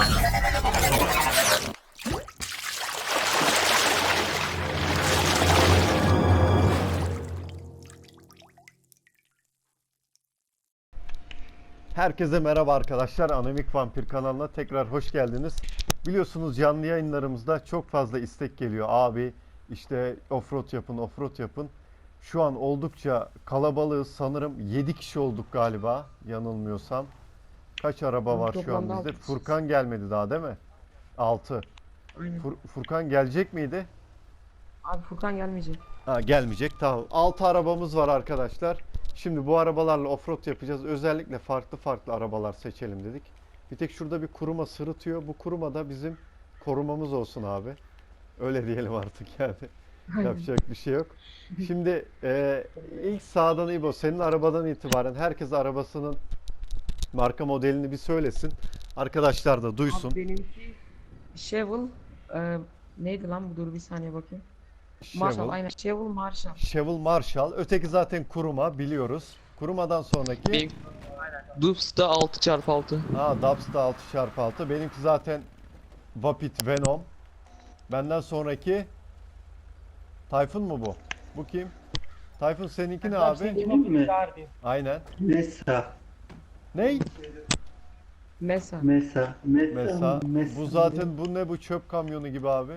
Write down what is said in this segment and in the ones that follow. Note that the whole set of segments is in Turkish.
Herkese merhaba arkadaşlar. Anomik Vampir kanalına tekrar hoş geldiniz. Biliyorsunuz canlı yayınlarımızda çok fazla istek geliyor. Abi işte offroad yapın, offroad yapın. Şu an oldukça kalabalığız. Sanırım 7 kişi olduk galiba yanılmıyorsam. Kaç araba var şu an bizde? Furkan gelmedi daha değil mi? 6. Aynen. Furkan gelecek miydi? Abi Furkan gelmeyecek. Ha, gelmeyecek. Tamam. 6 arabamız var arkadaşlar. Şimdi bu arabalarla offroad yapacağız. Özellikle farklı farklı arabalar seçelim dedik. Bir tek şurada bir kuruma sırıtıyor. Bu kuruma da bizim korumamız olsun abi. Öyle diyelim artık yani. Yapacak bir şey yok. Şimdi ilk sağdan İbo, senin arabadan itibaren herkes arabasının marka modelini bir söylesin. Arkadaşlar da duysun. Abi benimki Chevrolet neydi lan bu, dur bir saniye bakayım. Marshall, aynen Chevrolet Marshall. Chevrolet Marshall. Öteki zaten kuruma, biliyoruz. Kurumadan sonraki Benim Dubs'da 6x6. Dubs'da 6x6. Benimki zaten Vapit Venom. Benden sonraki Tayfun mu bu? Bu kim? Tayfun seninki ne abi? Mi? Aynen. Mesa. Ney? Mesa. Mesa. Mesela. Bu zaten bu ne, bu çöp kamyonu gibi abi.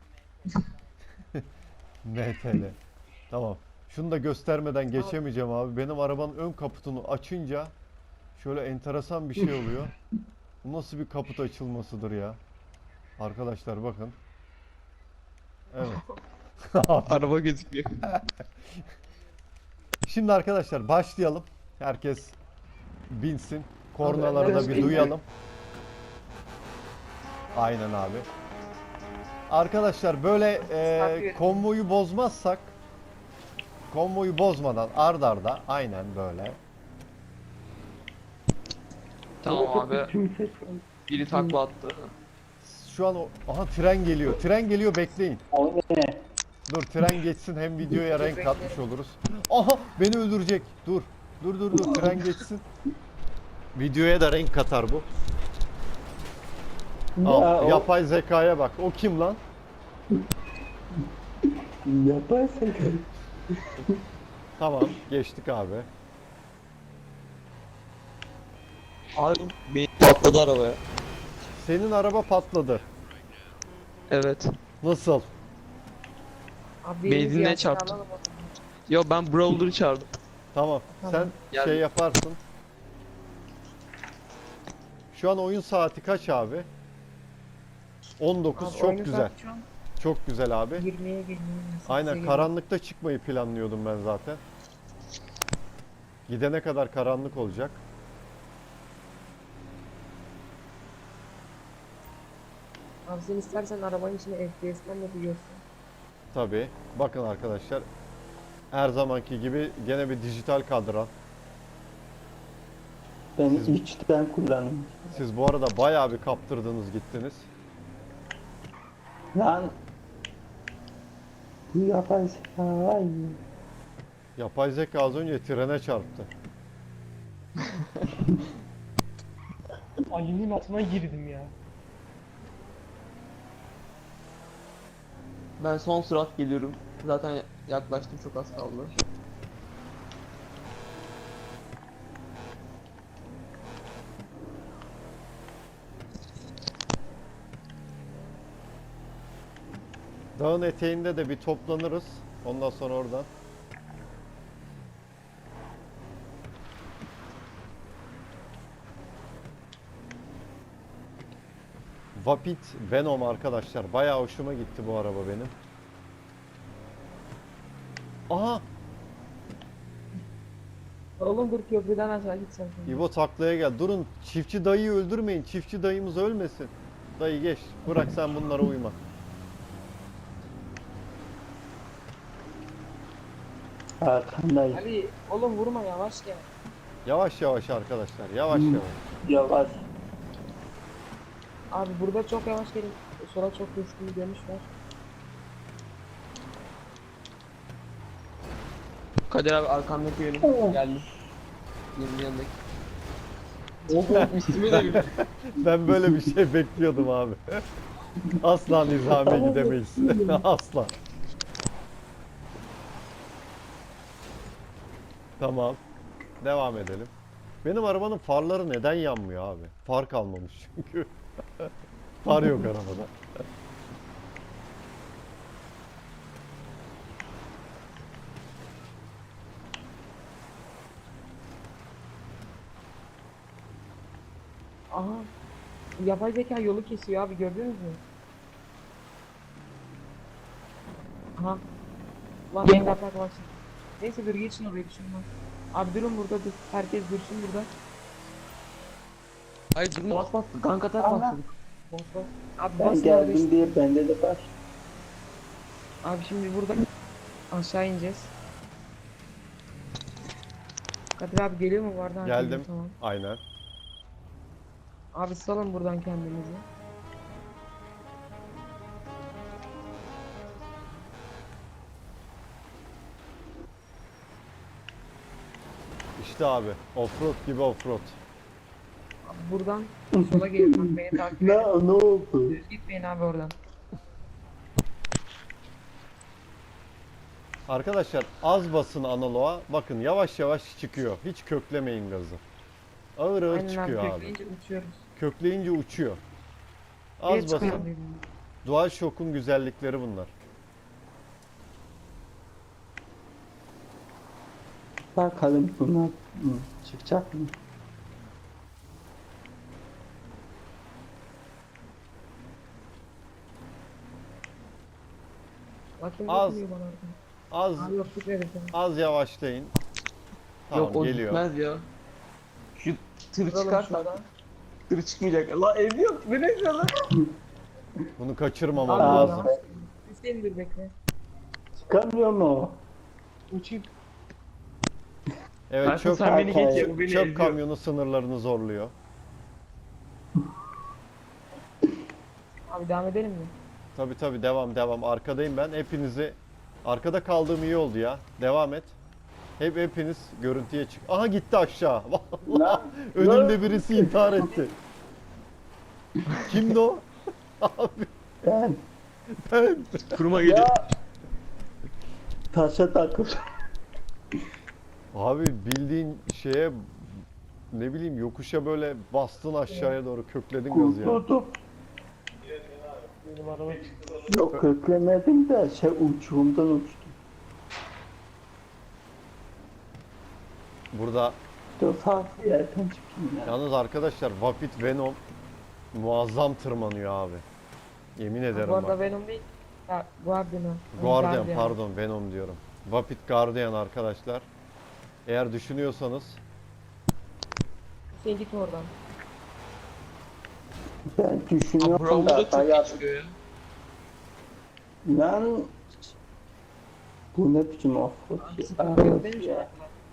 MTL. Tamam. Şunu da göstermeden geçemeyeceğim abi. Benim arabanın ön kaputunu açınca şöyle enteresan bir şey oluyor. Bu nasıl bir kaput açılmasıdır ya? Arkadaşlar bakın. Evet. Araba gözüküyor. Şimdi arkadaşlar başlayalım. Herkes binsin. Kornaları da bir duyalım. Aynen abi. Arkadaşlar böyle konvoyu bozmazsak, konvoyu bozmadan ard arda aynen böyle. Tamam abi. Biri takla attı. Şu an aha tren geliyor. Tren geliyor, bekleyin. O ne? Dur tren geçsin, hem videoya renk katmış oluruz. Aha beni öldürecek. Dur. Dur tren geçsin. Videoya da renk katar bu. Al, yapay zekaya bak. O kim lan? Yaparsın. Tamam, geçtik abi. Abi benim patladı arabaya. Senin araba patladı. Evet. Nasıl? Abi Benzinle Yasin çarptı. alalım. Yo ben Brawler'ı çağırdım. Tamam. Sen Gel. şey yaparsın. Şu an oyun saati kaç abi? 19. Abi Çok oyunu güzel. saat şu an Çok güzel abi. 20'ye geliyor. Aynen, karanlıkta çıkmayı planlıyordum ben zaten. Gidene kadar karanlık olacak. Abi sen istersen arabanın içine FPS'den yapıyorsun. Tabii. Bakın arkadaşlar. Her zamanki gibi gene bir dijital kadran. Ben içten kullandım. Siz bu arada bayağı bir kaptırdınız gittiniz. Lan. Bu yaparsın. Ay. Yapay zeka az önce trene çarptı. Ali'nin altına girdim ya. Ben son sürat geliyorum. Zaten yaklaştım, çok az kaldı. Dağın eteğinde de bir toplanırız. Ondan sonra oradan. Vapit Venom arkadaşlar. Bayağı hoşuma gitti bu araba benim. Aha! Oğlum dur, köprüden aşağı gitsen. İbo taklaya gel. Durun, çiftçi dayıyı öldürmeyin. Çiftçi dayımız ölmesin. Dayı geç. Bırak sen bunlara uyma. Arkandayım. Ali oğlum vurma, yavaş gel. Yavaş yavaş arkadaşlar. Yavaş yavaş. Yavaş. Abi burada çok yavaş gelin. Sola çok güçlü bir dönüş var. Kadir abi arkandaki yönüm geldi. Benim yanındaki. Of üstüme de gülüyor. Ben böyle bir şey bekliyordum abi. Asla nizamiye gidemeyiz. Asla. Tamam. Devam edelim. Benim arabanın farları neden yanmıyor abi? Far kalmamış çünkü. Far yok arabada. Aha. Yapay zeka yolu kesiyor abi, gördünüz mü? Aha. Lan benim atak var. Neyse dur, geçin oraya, bir şey olmaz. Abi durun burada, dur. Herkes dursun burada. Hayır durma. Bas bas, gank atak Allah. bas. Bas bas. Abi Ben basın geldim orada. diye bende de baş. Abi şimdi burada aşağı ineceğiz. Kadir abi geliyor mu, vardı? Geldim. Tamam. Aynen. Abi salın buradan kendinizi. İşte abi. Offroad gibi offroad. Abi buradan sola gelin, bak beni takip Ne, edin. ne oldu? Düz gitmeyin abi oradan. Arkadaşlar az basın analoğa. Bakın yavaş yavaş çıkıyor. Hiç köklemeyin gazı. Ağır ağır Aynen abi, çıkıyor abi. kökleyince uçuyoruz. Kökleyince uçuyor. Bir Az çıkıyor basın. dedim. DualShock'un güzellikleri bunlar. Bakalım bunlar çıkacak mı? Bakayım Az. bakmıyor bana oradan. Az Abi yok, gitmedi sana. az yavaşlayın. Tamam Yok o geliyor. gitmez ya. Şu tır Duralım çıkarsa şurada. tır çıkmayacak. La ev yok. Bu ne lan? Bunu kaçırmamam Abi lazım. ya. Hüseyin dur bekle. Çıkamıyor mu? Uçayım. Evet Zaten çöp, sen beni geç ya, çöp, bu beni çöp eziyor. kamyonu sınırlarını zorluyor. Abi devam edelim mi? Tabi tabi devam devam. Arkadayım ben. Hepinizi arkada kaldığım iyi oldu ya. Devam et. Hepiniz görüntüye çık. Aha gitti aşağı. Vallahi Lan, önümde birisi intihar etti. Kimdi o? Abi Ben ben. Kuruma geliyor. ya taşa takıl. Abi bildiğin şeye ne bileyim yokuşa böyle bastın aşağıya doğru kökledin gazı ya. Kurtuldum. Benim araba Yok köklemedim de uçurumdan uçtum. Burada Dur farklı yerden çıkayım ya. yalnız arkadaşlar Vapid Venom muazzam tırmanıyor abi. Yemin ederim Bu arada bak. Venom değil. Ha, Guardian. Guardian pardon Venom diyorum. Vapid Guardian arkadaşlar. Eğer düşünüyorsanız Sen git oradan. Ben Abi düşünüyorum Bravo'da da çok bayağı... geç çıkıyor ya. Lan... Bu ne biçim offroad Abi ya? sıkıntı yok değil mi şu an?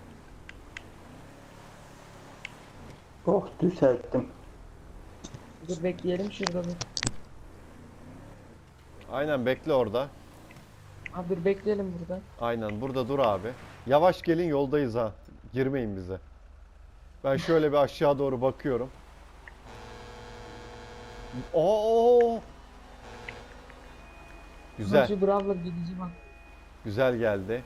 Oh düzelttim. Dur bekleyelim şurada bir. aynen bekle orada. Abi dur bekleyelim burada. Aynen burada dur abi. Yavaş gelin yoldayız ha. Girmeyin bize. Ben şöyle bir aşağı doğru bakıyorum. Oo! Güzel. Şu Brav'la gidici bak. Güzel geldi.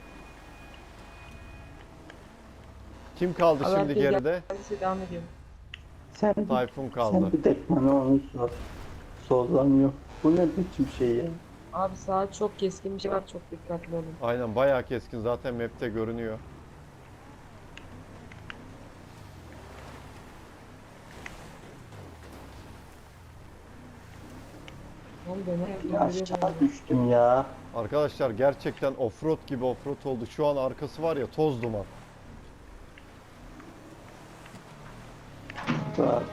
Kim kaldı Abi şimdi herkes geride? Hadi devam edelim. Sen bir, Tayfun sen kaldı. bir tek bana onu sor. Sollanıyor. Bu ne biçim şey ya? Abi saat çok keskin bir şey var, çok dikkatli olun. Aynen bayağı keskin zaten map'te görünüyor. Ne oldu ne? Ya aşağı düştüm ya. Arkadaşlar gerçekten offroad gibi offroad oldu. Şu an arkası var ya toz duman. Bak,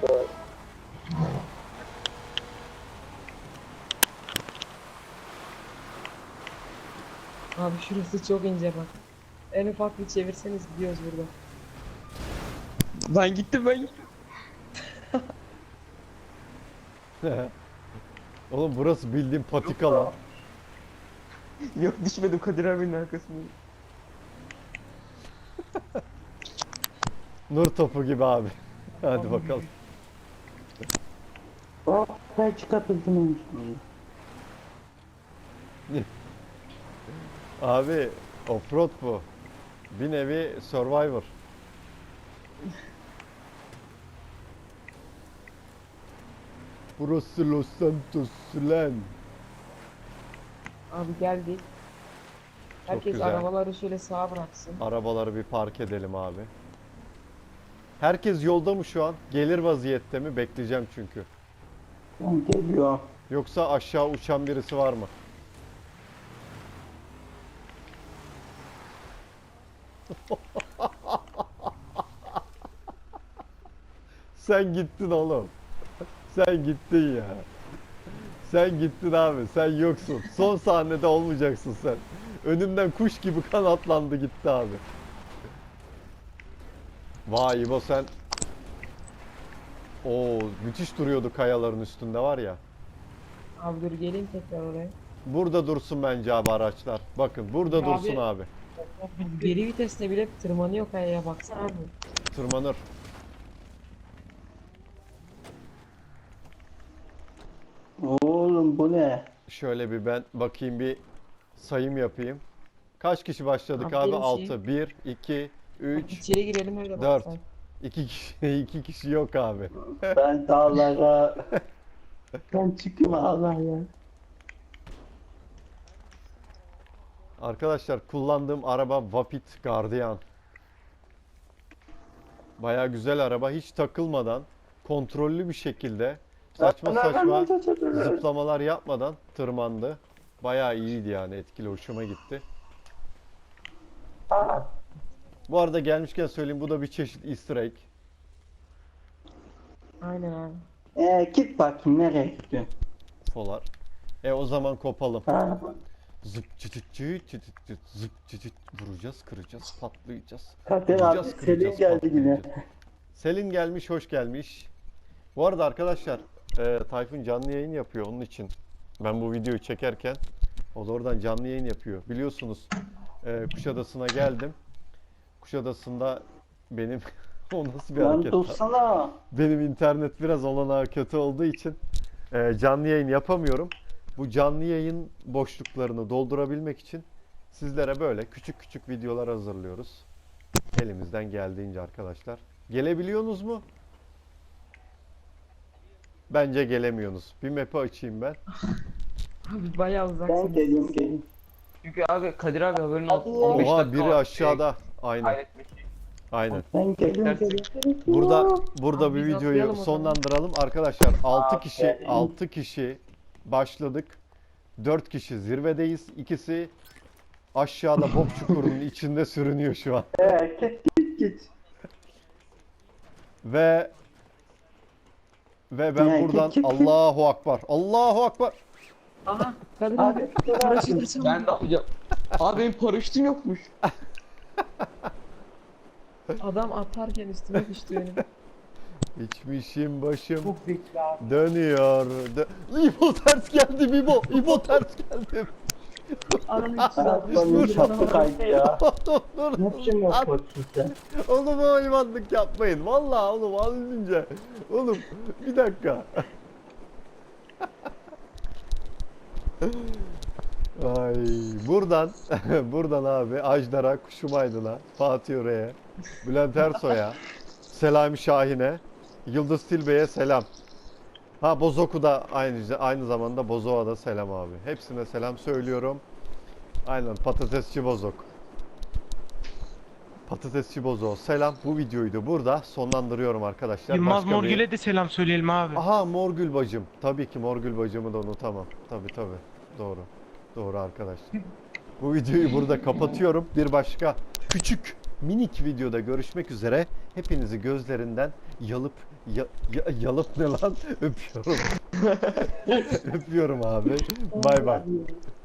Abi şurası çok ince bak. En ufak bir çevirseniz gidiyoruz burada. Ben gittim ben gittim. Oğlum burası bildiğin patika lan. Yok düşmedim Kadir abinin arkasında. Nur topu gibi abi. Hadi bakalım. Oh ben çıkartıldım. Abi offroad bu. Bir nevi Survivor. Burası Los Santos lan. Abi geldik. Herkes güzel. arabaları şöyle sağa bıraksın. Arabaları bir park edelim abi. Herkes yolda mı şu an? Gelir vaziyette mi? Bekleyeceğim çünkü. Ben geliyor. Yoksa aşağı uçan birisi var mı? Sen gittin oğlum. Sen gittin ya. Sen gittin abi. Sen yoksun. Son sahnede olmayacaksın sen. Önümden kuş gibi kanatlandı gitti abi. Vay İbo sen. Oo müthiş duruyordu kayaların üstünde var ya. Abi dur geleyim tekrar oraya. Burada dursun bence abi araçlar. Bakın burada Abi- dursun abi. Geri viteste bile tırmanıyor kayaya baksana abi. Tırmanır. Oğlum bu ne? Şöyle bir ben bakayım bir sayım yapayım. Kaç kişi başladık Abi abi? benim 6. 1, 2, 3, İçeri girelim öyle 4. baksan. 2 kişi, 2 kişi yok abi. Ben dağlara... Ben çıkayım Allah ya. Arkadaşlar kullandığım araba Vapit Guardian. Baya güzel araba. Hiç takılmadan, kontrollü bir şekilde, saçma saçma zıplamalar yapmadan tırmandı. Baya iyiydi yani, etkili, hoşuma gitti. Aa, Bu arada gelmişken söyleyeyim, bu da bir çeşit Easter egg. Aynen abi. git bakayım nereye gidiyorsun? Folar. O zaman kopalım. Ha, Zıp çıtıt çıt çıtıt çıt, zıp çıtıt, vuracağız, kıracağız, patlayacağız. Kadir abi Vuracağız, Selin kıracağız, geldi yine. patlayacağız. Selin gelmiş, hoş gelmiş. Bu arada arkadaşlar, Tayfun canlı yayın yapıyor onun için. Ben bu videoyu çekerken o da oradan canlı yayın yapıyor. Biliyorsunuz Kuşadası'na geldim. Kuşadası'nda benim o nasıl bir Lan hareket? dursana. Benim internet biraz olanağı kötü olduğu için canlı yayın yapamıyorum. Bu canlı yayın boşluklarını doldurabilmek için sizlere böyle küçük küçük videolar hazırlıyoruz. Elimizden geldiğince arkadaşlar. Gelebiliyorsunuz mu? Bence gelemiyorsunuz. Bir map'i açayım ben. Abi bayağı Ben uzaksın. geliyorum. Çünkü abi Kadir abi haberin olsun. Oha, 15 Oha dakika biri var. aşağıda. Aynen. Kaydetmiş. Aynen. Ben geliyorum. Burada Abi bir biz videoyu atlayalım o zaman. sonlandıralım. Arkadaşlar 6 Abi. kişi 6 kişi başladık. 4 kişi zirvedeyiz. İkisi aşağıda bok çukurunun içinde sürünüyor şu an. Git. Ve ben Ya, buradan git. Allahu Akbar. Allahu Akbar. Aha Kadir Abi abi. Paraşüt açalım. Ben de yapacağım. Abi benim paraşütüm yokmuş. Adam atarken üstüme düştü benim. İçmişim başım Çok zeki abi. dönüyor. İbo ters geldi İbo. İbo ters geldi. Adamın Ayaklarının şapka kaydı ya. Dur. Ne biçim yapıyorsun sen? Oğlum o hayvanlık yapmayın. Vallahi oğlum az önce. Oğlum bir dakika. Ay buradan abi Ajdar'a, Kuşum Aydın'a, Fatih Öre'ye, Bülent Ersoy'a, Selami Şahin'e, Yıldız Tilbe'ye selam. Ha Bozoku da aynı zamanda Bozok'a da selam abi. Hepsine selam söylüyorum. Aynen patatesçi Bozok. Patatesçi Bozok selam. Bu videoyu da burada sonlandırıyorum arkadaşlar. Yılmaz Başka bir- Morgül'e de selam söyleyelim abi. Aha Morgül bacım. Tabii ki Morgül bacımı da unutamam. Tabii. Doğru. Doğru arkadaşlar. Bu videoyu burada kapatıyorum. Bir başka küçük minik videoda görüşmek üzere. Hepinizi gözlerinden yalıp ne lan? Öpüyorum. Öpüyorum abi. Bay bay.